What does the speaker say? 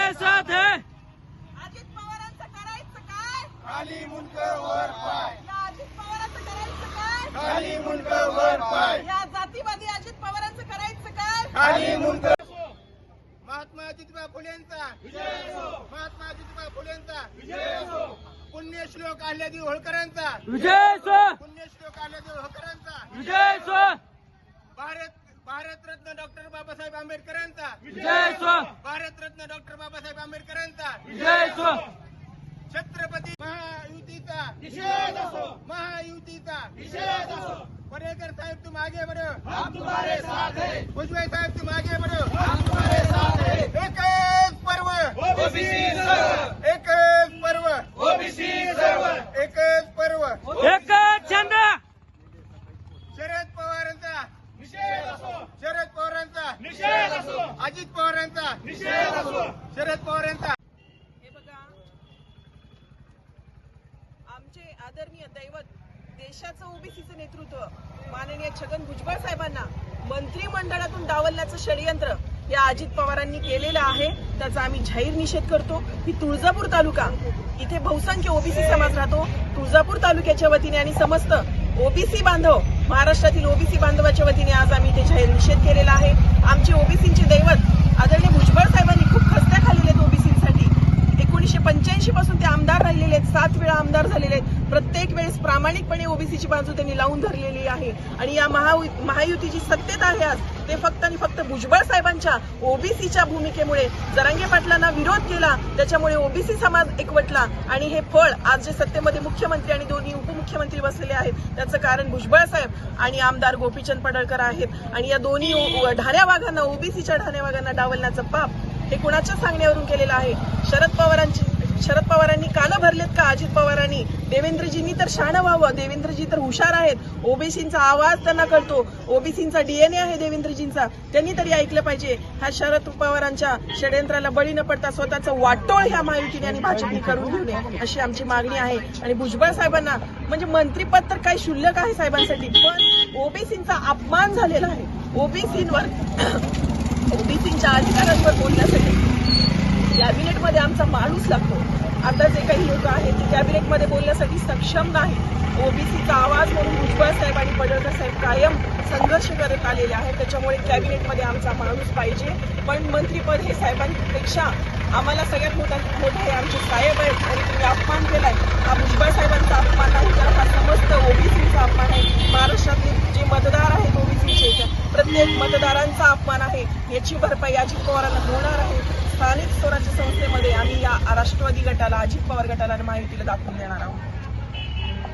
हमारे साथ है। अजित पवारांचं करायचं काय? खाली मुंडकं वर पाय, या अजित पवारांचं करायचं काय? खाली मुंडकं वर पाय, या जातीवादी अजित पवारांचं करायचं काय? खाली मुंडकं. महात्मा ज्योतिबा फुलेंचा महात्मा ज्योतिबा फुलेंचा पुण्यश्लोक अहिल्यादेवी होळकरांचा विजय सो, पुण्यश्लोक अहिल्यादेवी होळकरांचा विजय सो, भारतरत्न डॉक्टर बाबासाहेब आंबेडकरांचा विजय सो, भारतरत्न डॉक्टर बाबासाहेब आंबेडकरांचा विजय सो, छत्रपती महायुतीचा महायुतीचा परेकर साहेब तुम आगे बढ़ो, हम तुम्हारे साथ हैं. भुजबळ साहेब तुम आगे बढ़ो, हम तुम्हारे साथ हैं. एकच पर्व ओबीसी सर्व, एकच पर्व ओबीसी सर्व, एकच पर्व. एकच छंद. शरद पवारांचा निषेध असो, शरद पवारांचा निषेध असो, अजित पवारांचा निषेध असो, शरद पवारांचा. हे बघा, आमचे आदरणीय दैवत देशाचं ओबीसीचं नेतृत्व माननीय छगन भुजबळ साहेबांना मंत्रिमंडळातून डावलण्याचं षडयंत्र या अजित पवारांनी केलेलं आहे. त्याचा आम्ही जाहीर निषेध करतो. ही तुळजापूर तालुका, इथे बहुसंख्य ओबीसी समाज राहतो. तुळजापूर तालुक्याच्या वतीने आणि समस्त ओबीसी बांधव, महाराष्ट्रातील ओबीसी बांधवाच्या वतीने आज आम्ही इथे जाहीर निषेध केलेला आहे. आमचे ओबीसीचे दैवत आदरणीय भुजबळ साहेबांनी खूप खस्त्या खाल्लेले आहेत ओबीसीसाठी. 1985 पासून ते आमदार राहिलेले आहेत, 7 वेळा आमदार झालेले आहेत. प्रत्येक वेळेस प्रामाणिकपणे ओबीसीची बाजू त्यांनी लावून धरलेली आहे. आणि या महायुतीची सत्तेत आहे आज, ते फक्त आणि फक्त भुजबळ साहेबांच्या ओबीसीच्या भूमिकेमुळे जरांगे पाटलांना विरोध केला, त्याच्यामुळे ओबीसी समाज एकवटला आणि हे फळ आज जे सत्तेमध्ये मुख्यमंत्री आणि दोन्ही उपमुख्यमंत्री बसलेले आहेत त्याचं कारण भुजबळ साहेब आणि आमदार गोपीचंद पडळकर आहेत. आणि या दोन्ही ढाण्या वाघांना, ओबीसीच्या ढाण्या वाघांना डावलण्याचं पाप हे कुणाच्या सांगण्यावरून केलेलं आहे? शरद पवारांनी कानं भरलेत का? अजित पवारांनी, देवेंद्रजींनी तर शहाणं व्हावं. देवेंद्रजी तर हुशार आहेत, ओबीसींचा आवाज त्यांना कळतो, ओबीसींचा डीएनए आहे देवेंद्रजींचा, त्यांनी तरी ऐकलं पाहिजे. ह्या शरद पवारांच्या षडयंत्राला बळी न पडता स्वतःचं वाटोळ ह्या महायुतीने आणि भाजपने करून घेऊ नये अशी आमची मागणी आहे. आणि भुजबळ साहेबांना म्हणजे मंत्रिपद तर काही क्षुल्लक आहे साहेबांसाठी, पण ओबीसींचा अपमान झालेला आहे. ओबीसींच्या अधिकारांवर बोलण्यासाठी कॅबिनेटमध्ये आमचा माणूस लागतो. आता जे काही लोक आहेत ते कॅबिनेटमध्ये बोलण्यासाठी सक्षम नाही. ओबीसीचा आवाज म्हणून भुजबळ साहेब आणि पडळकर साहेब कायम संघर्ष करत आलेले आहेत. त्याच्यामुळे कॅबिनेटमध्ये आमचा माणूस पाहिजे. पण मंत्रीपद हे साहेबांपेक्षा आम्हाला सगळ्यात मोठा हे आमचे साहेब आहेत. आणि तुम्ही अपमान केलाय, हा भुजबळ साहेबांचा अपमान नाही तर हा समस्त ओबीसीचा अपमान आहे. महाराष्ट्रातले जे मतदार आहेत ओबीसीचे, प्रत्येक मतदारांचा अपमान आहे. याची भरपाई अजित पवारांना होणार आहे. स्थानिक स्वराज्य संस्थेमध्ये आम्ही या राष्ट्रवादी गटाला, अजित पवार गटाला आणि महायुतीला दाखवून देणार आहोत.